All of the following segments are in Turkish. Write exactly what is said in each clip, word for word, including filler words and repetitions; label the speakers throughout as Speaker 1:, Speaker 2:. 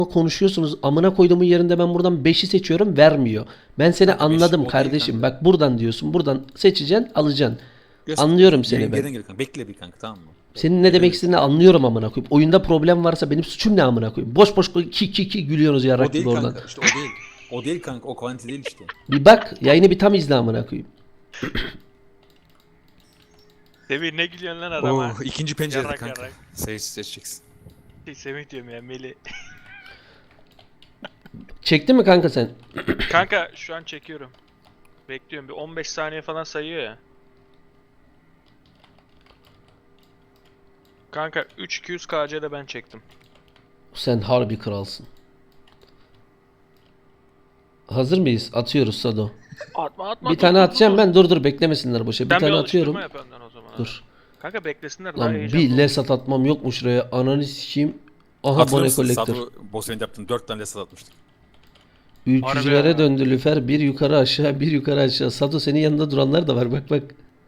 Speaker 1: konuşuyorsunuz. Amına koyduğumun yerinde ben buradan beşi seçiyorum, vermiyor. Ben seni
Speaker 2: Kanka beş
Speaker 1: anladım
Speaker 2: o değil
Speaker 1: kardeşim.
Speaker 2: kanka.
Speaker 1: Bak buradan diyorsun. Buradan seçeceksin, alacaksın.
Speaker 2: Göster.
Speaker 1: Anlıyorum seni
Speaker 2: Yerin
Speaker 1: ben.
Speaker 2: yerine gel kanka. Bekle bir kanka, tamam mı?
Speaker 1: Senin ne
Speaker 2: Yerine
Speaker 1: demek
Speaker 2: geç.
Speaker 1: istediğini anlıyorum amına koyayım. Oyunda problem varsa benim suçum ne amına koyayım? Boş boş ki ki ki gülüyorsunuz
Speaker 2: O
Speaker 1: yarak gibi
Speaker 2: değil
Speaker 1: oradan.
Speaker 2: kanka. İşte o değil. O değil kanka. O kvanti değil işte.
Speaker 1: Bir bak, yayını bir tam izle amına koyayım.
Speaker 3: Semih ne gülüyorsun lan
Speaker 2: Oo,
Speaker 3: adama?
Speaker 2: ikinci pencerede
Speaker 3: Yarak
Speaker 2: kanka.
Speaker 3: yarak.
Speaker 2: Sayı seçeceksin.
Speaker 3: Şey, Semih diyorum ya Melih.
Speaker 1: Çektin mi kanka sen?
Speaker 3: Kanka şu an çekiyorum. Bekliyorum bir on beş saniye falan sayıyor ya. Kanka üç iki yüz K C'de ben çektim.
Speaker 1: Sen harbi kralsın. Hazır mıyız? Atıyoruz Sado.
Speaker 3: Atma atma.
Speaker 1: Bir
Speaker 3: dur,
Speaker 1: tane
Speaker 3: dur,
Speaker 1: atacağım
Speaker 3: dur.
Speaker 1: ben. Dur dur beklemesinler boşa. Bir
Speaker 3: Sen bir
Speaker 1: tane
Speaker 3: alıştırma
Speaker 1: atıyorum.
Speaker 3: yap önden o zaman.
Speaker 1: Dur.
Speaker 3: Kanka beklesinler daha
Speaker 1: Lan
Speaker 3: heyecanlı
Speaker 1: bir
Speaker 3: olur.
Speaker 1: lesat atmam yok mu şuraya? Ananı sikeyim. Aha
Speaker 2: Hatırlıyor
Speaker 1: bone
Speaker 2: musun?
Speaker 1: kolektör.
Speaker 2: Sado Bosfen'de yaptın. Dört tane lesat atmıştık.
Speaker 1: Ülkücülere
Speaker 3: Harbi ya.
Speaker 1: döndü lüfer. Bir yukarı aşağı, bir yukarı aşağı. Sado senin yanında duranlar da var. Bak bak.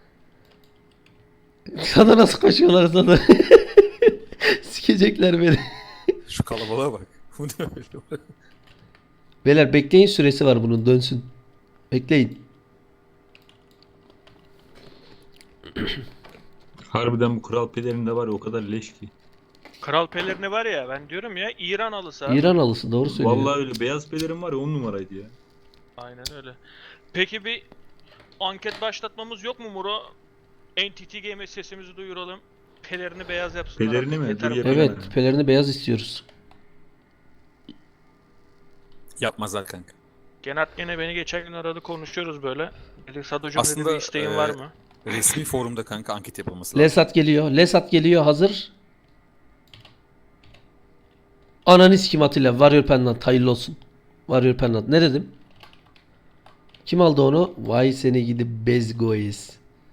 Speaker 1: Sana nasıl koşuyorlar Sado? Sikecekler beni.
Speaker 2: Şu kalabalığa bak. Bu ne öyle?
Speaker 1: Beyler bekleyin, süresi var bunun, dönsün. Bekleyin.
Speaker 4: Harbiden bu kral pelerinde var ya, o kadar leş ki.
Speaker 3: Kral pelerini var ya ben diyorum ya İran alısı abi.
Speaker 1: İran alısı doğru söylüyor.
Speaker 4: Vallahi öyle, beyaz pelerin var ya, on numaraydı ya.
Speaker 3: Aynen öyle. Peki bir anket başlatmamız yok mu Muro? N T T Game'e sesimizi duyuralım. Pelerini beyaz yapsınlar.
Speaker 4: Pelerini
Speaker 3: artık,
Speaker 4: mi?
Speaker 3: yeter
Speaker 4: Dur
Speaker 3: bu.
Speaker 4: yapayım.
Speaker 1: Evet,
Speaker 4: Yani.
Speaker 1: pelerini beyaz istiyoruz.
Speaker 2: Yapmazlar kanka.
Speaker 3: Genat gene beni geçen gün aradı, konuşuyoruz böyle. Dedi Sadocuğum dedi
Speaker 2: Aslında,
Speaker 3: bir isteğin
Speaker 2: e,
Speaker 3: var mı?
Speaker 2: Resmi forumda kanka anket yapılması lazım.
Speaker 1: Lesat geliyor. Lesat geliyor, hazır. Ananı sikim Atilla. Warrior Pendant hayırlı olsun. Warrior Pendant. Ne dedim? Kim aldı onu? Vay seni gidi bezgoyes.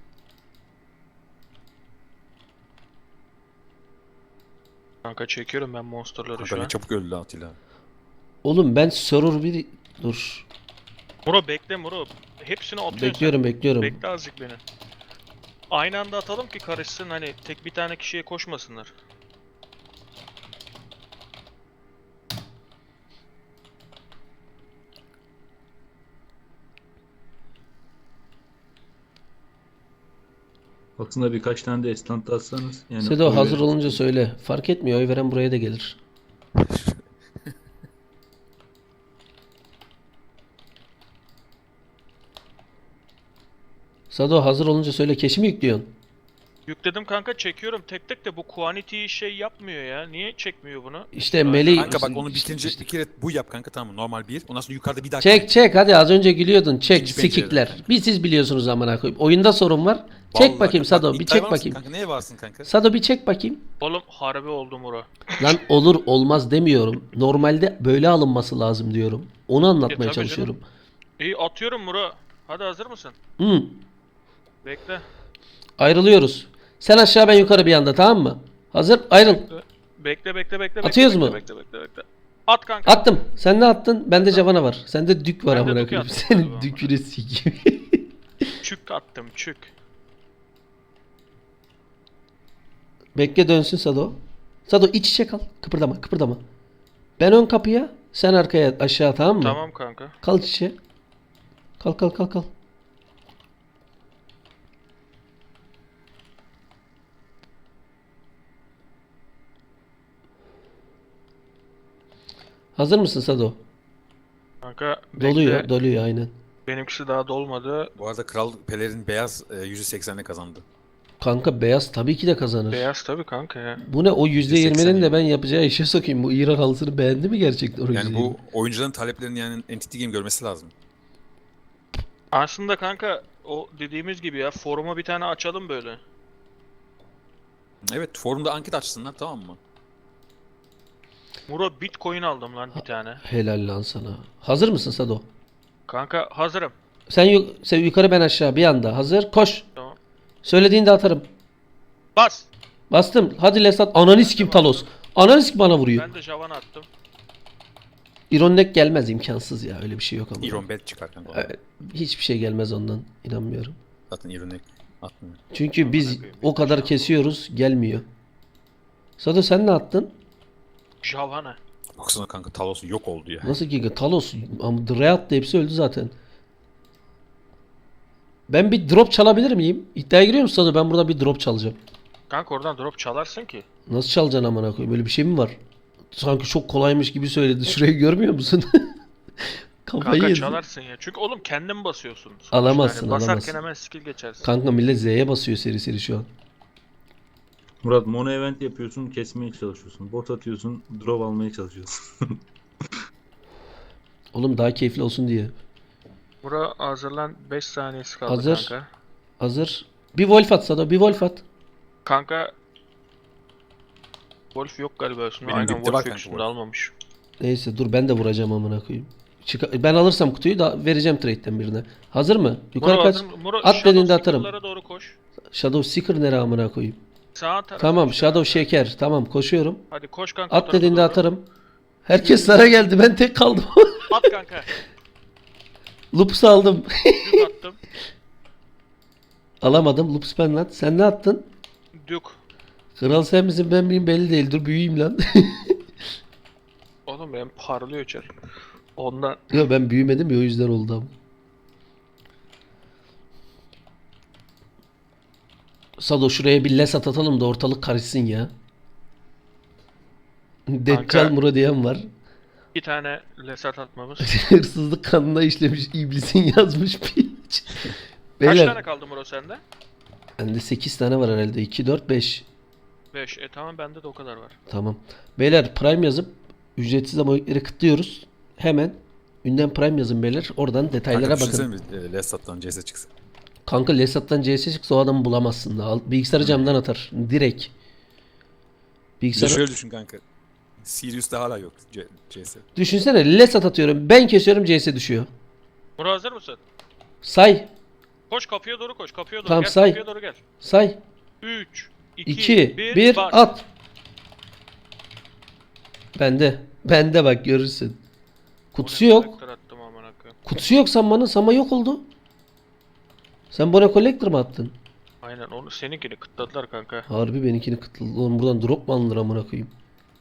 Speaker 3: Kanka çekiyorum ben monsterları
Speaker 2: Kanka
Speaker 3: şu
Speaker 2: ne
Speaker 3: an.
Speaker 2: çabuk öldü Atilla.
Speaker 1: Oğlum ben server bir... Dur.
Speaker 3: Muro bekle Muro. Hepsini atıyorsun
Speaker 1: Bekliyorum
Speaker 3: sen.
Speaker 1: bekliyorum.
Speaker 3: Bekle azıcık beni. Aynı anda atalım ki karışsın, hani tek bir tane kişiye koşmasınlar.
Speaker 4: Aslında birkaç tane de estant atsanız. Yani
Speaker 1: Sedo
Speaker 4: oy
Speaker 1: hazır
Speaker 4: verin.
Speaker 1: olunca söyle. Fark etmiyor. Oy veren buraya da gelir. Sado hazır olunca söyle. Keşi mi yüklüyorsun?
Speaker 3: Yükledim kanka, çekiyorum tek tek de bu quantity şey yapmıyor ya. Niye çekmiyor bunu?
Speaker 1: İşte Melih...
Speaker 2: Kanka bak onu bitince bir kere bu yap kanka, tamam mı? Normal bir. Ondan sonra yukarıda bir daha.
Speaker 1: Çek çek hadi, az önce gülüyordun. Çek
Speaker 2: İkinci pencereden
Speaker 1: sikikler.
Speaker 2: kanka.
Speaker 1: Bir siz biliyorsunuz amına koyayım. Oyunda sorun var. Çek
Speaker 2: Vallahi
Speaker 1: bakayım
Speaker 2: bak,
Speaker 1: Sado, bir
Speaker 2: iddiaya
Speaker 1: çek
Speaker 2: var mısın
Speaker 1: bakayım.
Speaker 2: Kanka neye varsın kanka?
Speaker 1: Sado bir çek bakayım.
Speaker 3: Oğlum harbi oldu Muro.
Speaker 1: Lan olur olmaz demiyorum. Normalde böyle alınması lazım diyorum. Onu
Speaker 3: E,
Speaker 1: anlatmaya
Speaker 3: tabii
Speaker 1: çalışıyorum.
Speaker 3: İyi atıyorum Muro. Hadi hazır mısın?
Speaker 1: Hı.
Speaker 3: Bekle.
Speaker 1: Ayrılıyoruz. Sen aşağı ben yukarı bir anda, tamam mı? Hazır, ayrıl.
Speaker 3: Bekle bekle bekle.
Speaker 1: Atıyoruz
Speaker 3: bekle,
Speaker 1: mu?
Speaker 3: Bekle bekle bekle. At kanka.
Speaker 1: Attım. Sen ne attın? Bende Javana var. Sende dük var
Speaker 3: Ben de
Speaker 1: amına
Speaker 3: Duke
Speaker 1: koyayım.
Speaker 3: attım
Speaker 1: Senin
Speaker 3: galiba
Speaker 1: dükünü sikeyim.
Speaker 3: Çük attım çük.
Speaker 1: Bekle dönsün Sado. Sado iç içe kal. Kıpırdama kıpırdama. Ben ön kapıya, sen arkaya aşağı, tamam mı?
Speaker 3: Tamam kanka.
Speaker 1: Kal iç içe. Kal kal kal kal. Hazır mısın Sado?
Speaker 3: Kanka bekle.
Speaker 1: Doluyor, doluyor aynen.
Speaker 3: Benimkisi daha dolmadı.
Speaker 2: Bu arada Kral Pelerin beyaz e, yüzde seksenle kazandı.
Speaker 1: Kanka beyaz tabii ki de kazanır.
Speaker 3: Beyaz tabii kanka ya.
Speaker 1: Bu ne, o yüzde yirminin de
Speaker 2: yani.
Speaker 1: ben yapacağı işe sokayım. Bu İran halısını beğendi mi gerçekten o
Speaker 2: Yani
Speaker 1: yüzde yirmi?
Speaker 2: bu oyuncuların taleplerini yani Entity Game görmesi lazım.
Speaker 3: Aslında kanka o dediğimiz gibi ya, foruma bir tane açalım böyle.
Speaker 2: Evet, forumda anket açsınlar, tamam mı?
Speaker 3: Muro Bitcoin aldım lan bir tane.
Speaker 1: Helal lan sana. Hazır mısın Sado?
Speaker 3: Kanka hazırım.
Speaker 1: Sen, yu- sen yukarı ben aşağı bir anda. Hazır. Koş.
Speaker 3: Tamam.
Speaker 1: Söylediğinde atarım.
Speaker 3: Bas.
Speaker 1: Bastım. Hadi Lesat. Ananı sikim Talos. Ananı sikim bana vuruyor.
Speaker 3: Ben de Javan attım.
Speaker 1: İronek gelmez, imkansız ya. Öyle bir şey yok ama.
Speaker 2: Iron Bet çıkar kanka.
Speaker 1: Evet, hiçbir şey gelmez ondan. İnanmıyorum.
Speaker 2: Zaten Iron atmıyor.
Speaker 1: Çünkü biz
Speaker 3: koyayım,
Speaker 1: o kadar
Speaker 3: inşallah.
Speaker 1: kesiyoruz. Gelmiyor. Sado sen ne attın?
Speaker 3: Javana.
Speaker 2: Baksana kanka Talos yok oldu ya.
Speaker 1: Nasıl Giga? Talos. Ama Dread da hepsi öldü zaten. Ben bir drop çalabilir miyim? İddiaya giriyor musun Sado? Ben burada bir drop çalacağım.
Speaker 3: Kanka oradan drop çalarsın ki.
Speaker 1: Nasıl çalacaksın amına koyayım? Böyle bir şey mi var? Sanki çok kolaymış gibi söyledi. Şurayı görmüyor musun? Kafayı
Speaker 3: Kanka
Speaker 1: yedin.
Speaker 3: çalarsın ya. Çünkü oğlum kendin basıyorsun. sonuçta.
Speaker 1: Alamazsın,
Speaker 3: Yani basarken
Speaker 1: alamazsın.
Speaker 3: hemen skill geçersin.
Speaker 1: Kanka millet Z'ye basıyor seri seri şu an.
Speaker 4: Murat mono event yapıyorsun, kesmeye çalışıyorsun. Bot atıyorsun, drop almaya çalışıyorsun.
Speaker 1: Oğlum daha keyifli olsun diye.
Speaker 3: Bura hazırlan, beş saniyesi kaldı
Speaker 1: Hazır.
Speaker 3: kanka.
Speaker 1: Hazır. Bir Wolf at Sado. Bir Wolf at.
Speaker 3: Kanka Wolf yok galiba üstünde.
Speaker 2: Benim
Speaker 3: Aynen
Speaker 2: dipte
Speaker 3: Wolf
Speaker 2: var
Speaker 3: yok
Speaker 2: kanka
Speaker 3: üstünde,
Speaker 2: Wolf.
Speaker 3: almamış.
Speaker 1: Neyse dur ben de vuracağım amına koyayım. Çıka- ben alırsam kutuyu da vereceğim trade'den birine. Hazır mı? Yukarı
Speaker 3: Muro
Speaker 1: kaç.
Speaker 3: hazır mı? Muro,
Speaker 1: At
Speaker 3: Shadow
Speaker 1: dediğinde atarım.
Speaker 3: Seeker'lara doğru koş.
Speaker 1: Shadow Seeker nere amına koyayım.
Speaker 3: Sağ tarafa
Speaker 1: Tamam
Speaker 3: işte
Speaker 1: Shadow
Speaker 3: kanka.
Speaker 1: Şeker. Tamam koşuyorum.
Speaker 3: Hadi koş kanka. o
Speaker 1: At
Speaker 3: tarafa
Speaker 1: dediğinde
Speaker 3: doğru.
Speaker 1: atarım. Herkes sana geldi. Ben tek kaldım.
Speaker 3: At kanka.
Speaker 1: Loops aldım.
Speaker 3: Dük attım.
Speaker 1: Alamadım. Loops ben lan. Sen ne attın?
Speaker 3: Dük.
Speaker 1: Kral sen misin ben miyim belli değil. Dur büyüyeyim lan.
Speaker 3: Oğlum benim parlıyor çar. Ondan.
Speaker 1: Yok ben büyümedim ya o yüzden oldu ama. Sado şuraya bir lesat atalım da ortalık karışsın ya. Deccal Muro diyen var.
Speaker 3: İki tane lesat atmamız.
Speaker 1: Hırsızlık kanına işlemiş iblisin yazmış bir.
Speaker 3: Kaç
Speaker 1: Beyler
Speaker 3: tane kaldı Muro sende?
Speaker 1: bende sekiz tane var herhalde. iki, dört, beş.
Speaker 3: beş. E tamam, bende de o kadar var.
Speaker 1: Tamam. Beyler Prime yazıp ücretsiz abonelikleri kıtlıyoruz. Hemen ünden Prime yazın beyler. Oradan detaylara
Speaker 2: Kanka
Speaker 1: bakın.
Speaker 2: düşünsene bir e, Lesat'tan C S çıksa.
Speaker 1: Kanka Lesat'tan C S çıksa o adamı bulamazsın da. Al- Bilgisayarı camdan atar. Direkt.
Speaker 2: Bir de
Speaker 1: Bilgisayarı...
Speaker 2: şöyle düşün kanka. Sirius'ta hala yok C- CS.
Speaker 1: Düşünsene Lesat atıyorum. Ben kesiyorum C S düşüyor.
Speaker 3: Muro hazır mısın?
Speaker 1: Say.
Speaker 3: Koş kapıya doğru koş. Kapıya doğru
Speaker 1: Tamam,
Speaker 3: gel.
Speaker 1: say.
Speaker 3: Kapıya doğru gel.
Speaker 1: Say.
Speaker 3: üç, iki,
Speaker 1: iki,
Speaker 3: bir,
Speaker 1: bir,
Speaker 3: bas.
Speaker 1: at. Bende. Bende bak görürsün. Kutusu
Speaker 3: Bone
Speaker 1: yok.
Speaker 3: collector attım amına koyayım.
Speaker 1: Kutusu yok Samman'ın. Sama yok oldu. Sen Bone Collector mı attın?
Speaker 3: Aynen, onu seninkini kıtladılar kanka.
Speaker 1: Harbi benimkini kıtladı. Oğlum buradan drop mu alınır amına koyayım?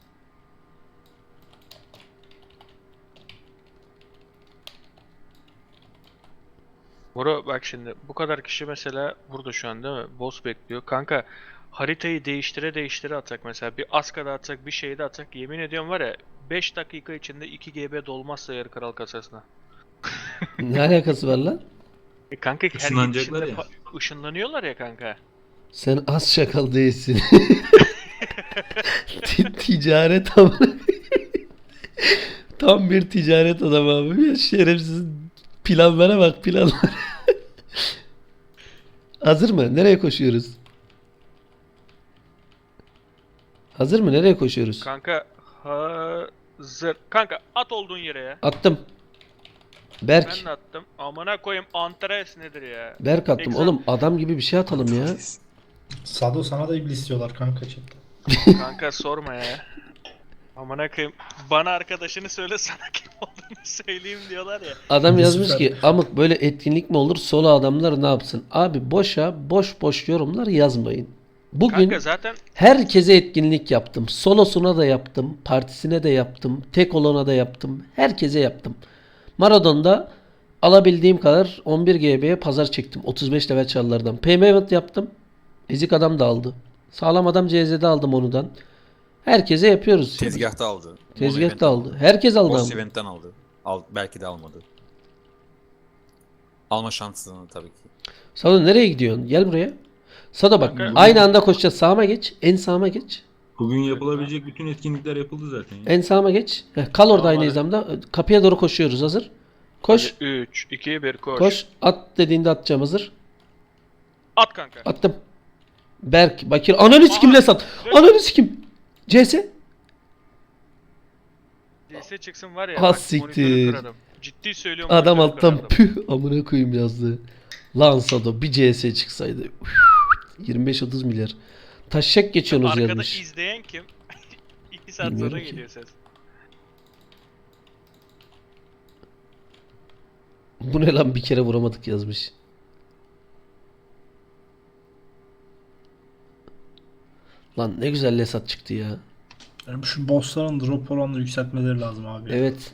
Speaker 3: Muro bak şimdi, bu kadar kişi mesela burada şu an değil mi? Boss bekliyor. Kanka haritayı değiştire değiştire atsak, mesela bir Aska'da atsak, bir şeyde atsak, yemin ediyorum var ya, beş dakika içinde iki G B dolmazsa yarı kral kasasına.
Speaker 1: Ne alakası var lan?
Speaker 3: E kanka her
Speaker 4: Işınlanacaklar
Speaker 3: gidişinde
Speaker 4: ya.
Speaker 3: fa- ışınlanıyorlar ya kanka.
Speaker 1: Sen az şakal değilsin. Ti- Ticaret amına. Tam bir ticaret adamı abi. Ya şerefsiz planlara bak planlara. Hazır mı? Nereye koşuyoruz? Hazır mı? Nereye koşuyoruz?
Speaker 3: Kanka hazır. Kanka at olduğun yere ya.
Speaker 1: Attım. Berk.
Speaker 3: Ben de attım. Amına koyayım, Antares nedir ya?
Speaker 1: Berk attım.
Speaker 3: Exam-
Speaker 1: Oğlum adam gibi bir şey atalım ya.
Speaker 5: Sado sana da iblis diyorlar kanka chatte.
Speaker 3: Kanka sorma ya. Amına koyayım. Bana arkadaşını söyle, sana kim olduğunu söyleyeyim diyorlar ya.
Speaker 1: Adam
Speaker 5: Bir
Speaker 1: yazmış
Speaker 5: süper.
Speaker 1: ki amık böyle etkinlik mi olur? Solo adamlar ne yapsın? Abi boşa boş boş yorumlar yazmayın. Bugün
Speaker 3: Kanka zaten
Speaker 1: herkese etkinlik yaptım. Solosuna da yaptım. Partisine de yaptım. Tek olana da yaptım. Herkese yaptım. Marathon'da alabildiğim kadar on bir G B'ye pazar çektim. otuz beş level çalılardan. Payment yaptım. Ezik adam da aldı. Sağlam adam C Z'de aldım onudan. Herkese yapıyoruz.
Speaker 2: Tezgahta aldı.
Speaker 1: Tezgahta aldı. Herkes aldı
Speaker 2: Boss
Speaker 1: ama.
Speaker 2: event'ten aldı. Al, belki de almadı. Alma şansını tabii ki.
Speaker 1: Sado nereye gidiyorsun? Gel buraya. Sado bak
Speaker 3: Kanka-
Speaker 1: aynı anda koşacağız. Sağıma geç. En sağıma geç.
Speaker 4: Bugün yapılabilecek bütün etkinlikler yapıldı zaten ya.
Speaker 1: En sağıma geç. Heh, kal orada
Speaker 3: Tamam,
Speaker 1: aynı
Speaker 3: hadi.
Speaker 1: hizamda. Kapıya doğru koşuyoruz. Hazır. Koş.
Speaker 3: üç, iki, bir koş.
Speaker 1: Koş. At dediğinde atacağım. Hazır.
Speaker 3: At kanka.
Speaker 1: Attım. Berk, Bakir. Ananı sikim
Speaker 3: Aha.
Speaker 1: Lesat. Ananı sikim. C S.
Speaker 3: D S çıksın var ya.
Speaker 1: Ha,
Speaker 3: bak,
Speaker 1: siktir.
Speaker 3: monitörü kırarım. Ciddi söylüyorum.
Speaker 1: Adam
Speaker 3: monitörü
Speaker 1: alttan
Speaker 3: kırarım.
Speaker 1: püh amına koyayım yazdı. Lan Sado bir C S çıksaydı. yirmi beş otuz milyar. Taşak geçiyorsunuz
Speaker 3: Arkada
Speaker 1: yazmış.
Speaker 3: izleyen kim? iki saat
Speaker 1: Bilmiyorum
Speaker 3: sonra
Speaker 1: ki.
Speaker 3: geliyor ses.
Speaker 1: Bu ne lan bir kere vuramadık yazmış. Lan ne güzel Lesat çıktı ya.
Speaker 5: Yani şu bossların drop oranını yükseltmeleri lazım abi.
Speaker 1: Evet.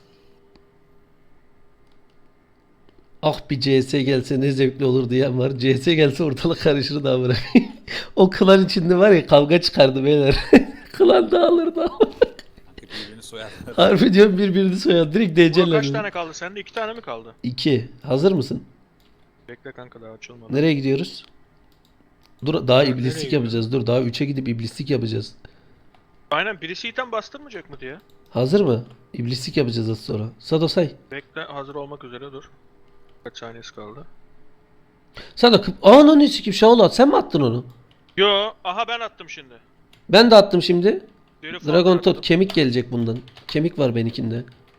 Speaker 1: Ah bir C S gelse ne zevkli olur diyen var. C S gelse ortalık karışır da bırak. O klan içinde var ya kavga çıkardı beyler. Klan dağılırdı.
Speaker 2: Birbirini soyarlar.
Speaker 1: Harbi diyorum birbirini soyar. Direkt
Speaker 3: Bura kaç
Speaker 1: D C'ler.
Speaker 3: tane kaldı sende? iki tane mi kaldı?
Speaker 1: İki. Hazır mısın?
Speaker 3: Bekle kanka daha açılmadı.
Speaker 1: Nereye gidiyoruz? Dur daha
Speaker 3: Nereye
Speaker 1: iblislik
Speaker 3: gidiyor?
Speaker 1: yapacağız. Dur daha üçe gidip iblislik yapacağız.
Speaker 3: Aynen birisi item bastırmayacak mı diye.
Speaker 1: Hazır mı? İblislik yapacağız az sonra. Sado say.
Speaker 3: Bekle hazır olmak üzere dur. Kaç saniyesi kaldı?
Speaker 1: Sado kıp... Aa lan ne sikim Shaolat sen mi attın onu?
Speaker 3: Yo aha ben attım şimdi.
Speaker 1: Ben de attım şimdi.
Speaker 3: Deri
Speaker 1: Dragon
Speaker 3: falan
Speaker 1: Tooth
Speaker 3: attım.
Speaker 1: kemik gelecek bundan. Kemik var benimkinde.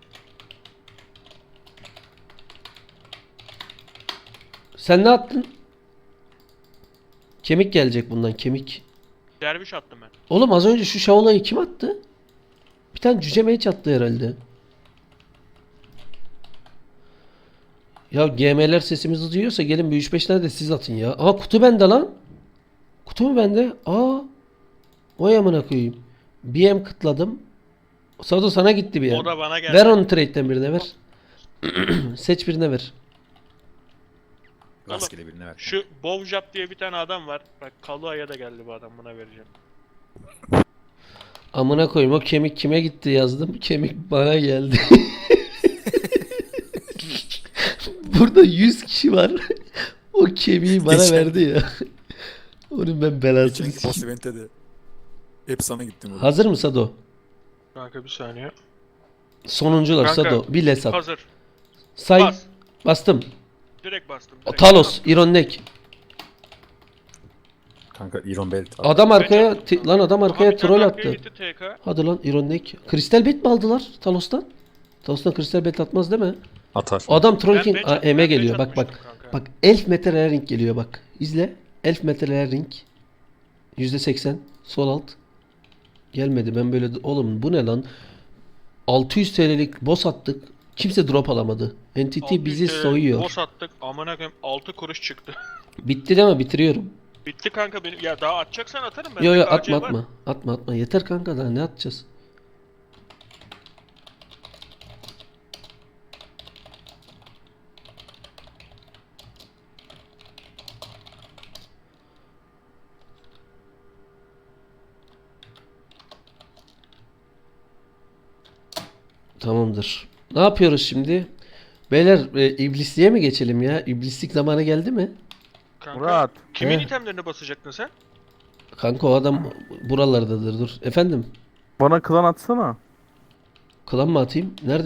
Speaker 1: Sen ne attın? Kemik gelecek bundan kemik.
Speaker 3: Derviş attım ben.
Speaker 1: Oğlum az önce şu Shaola'yı kim attı? Bir tane cüce mage attı herhalde. Ya G M'ler sesimizi duyuyorsa gelin bir üç beş tane de siz atın ya. Aa kutu bende lan. Kutu mu bende? Aa. Oy amına koyayım. B M kıtladım. Sado sana gitti bir
Speaker 3: O
Speaker 1: M.
Speaker 3: da bana geldi.
Speaker 1: Ver onu trade'den birine ver. Seç birine ver.
Speaker 2: Rastgele birine ver.
Speaker 3: Şu Bovjap diye bir tane adam var. Bak Kalua'ya da geldi bu adam buna vereceğim.
Speaker 1: Amına koyayım o kemik kime gitti yazdım. Kemik bana geldi. Burada yüz kişi var. O kemiği bana
Speaker 2: Geçen-
Speaker 1: verdi ya. Onun ben belasını
Speaker 2: Geçenki boss
Speaker 1: sikeyim.
Speaker 2: event'te de hep sana gittim. burada.
Speaker 1: Hazır mı Sado?
Speaker 3: Kanka bir saniye.
Speaker 1: Sonuncular
Speaker 3: Kanka,
Speaker 1: Sado. Bir les at.
Speaker 3: Hazır.
Speaker 1: Say.
Speaker 3: Bas.
Speaker 1: Bastım.
Speaker 3: Direkt bastım.
Speaker 1: O
Speaker 3: direkt.
Speaker 1: Talos. Ironnek.
Speaker 2: Kanka Iron Belt.
Speaker 1: Adam arkaya
Speaker 3: Bence-
Speaker 1: ti- lan adam
Speaker 3: Aha,
Speaker 1: arkaya
Speaker 3: bir tane
Speaker 1: troll
Speaker 3: arkaya
Speaker 1: attı.
Speaker 3: gitti T K.
Speaker 1: Hadi lan Ironnek. Kristal bet mi aldılar Talos'tan? Talos'tan kristal bet atmaz değil mi?
Speaker 2: Atar.
Speaker 1: Adam troll
Speaker 3: Ben
Speaker 1: king.
Speaker 3: bench-
Speaker 1: Aa, Eme
Speaker 3: ben
Speaker 1: geliyor.
Speaker 3: bench
Speaker 1: Bak bak.
Speaker 3: atmıştım kanka.
Speaker 1: Bak Elf Metal Ring geliyor bak. İzle. Elf Metal Ring. yüzde seksen. Sol alt. Gelmedi. Ben böyle oğlum bu ne lan? altı yüz T L'lik boss attık. Kimse drop alamadı. Entity
Speaker 3: altı yüz
Speaker 1: bizi
Speaker 3: T L
Speaker 1: soyuyor.
Speaker 3: Boss attık. Amına koyayım altı kuruş çıktı.
Speaker 1: Bitti deme bitiriyorum.
Speaker 3: Bitti kanka benim. Ya daha atacaksan atarım ben.
Speaker 1: Yo yo
Speaker 3: Belki A C
Speaker 1: atma
Speaker 3: var.
Speaker 1: atma. Atma atma. Yeter kanka daha ne atacağız? Tamamdır. Ne yapıyoruz şimdi? Beyler e, iblisliğe mi geçelim ya? İblislik zamanı geldi mi?
Speaker 3: Kanka,
Speaker 6: Murat.
Speaker 3: kimin
Speaker 1: He.
Speaker 3: itemlerine basacaktın sen?
Speaker 1: Kanka o adam buralardadır dur. Efendim?
Speaker 6: Bana klan atsana.
Speaker 1: Klan mı atayım? Nerede?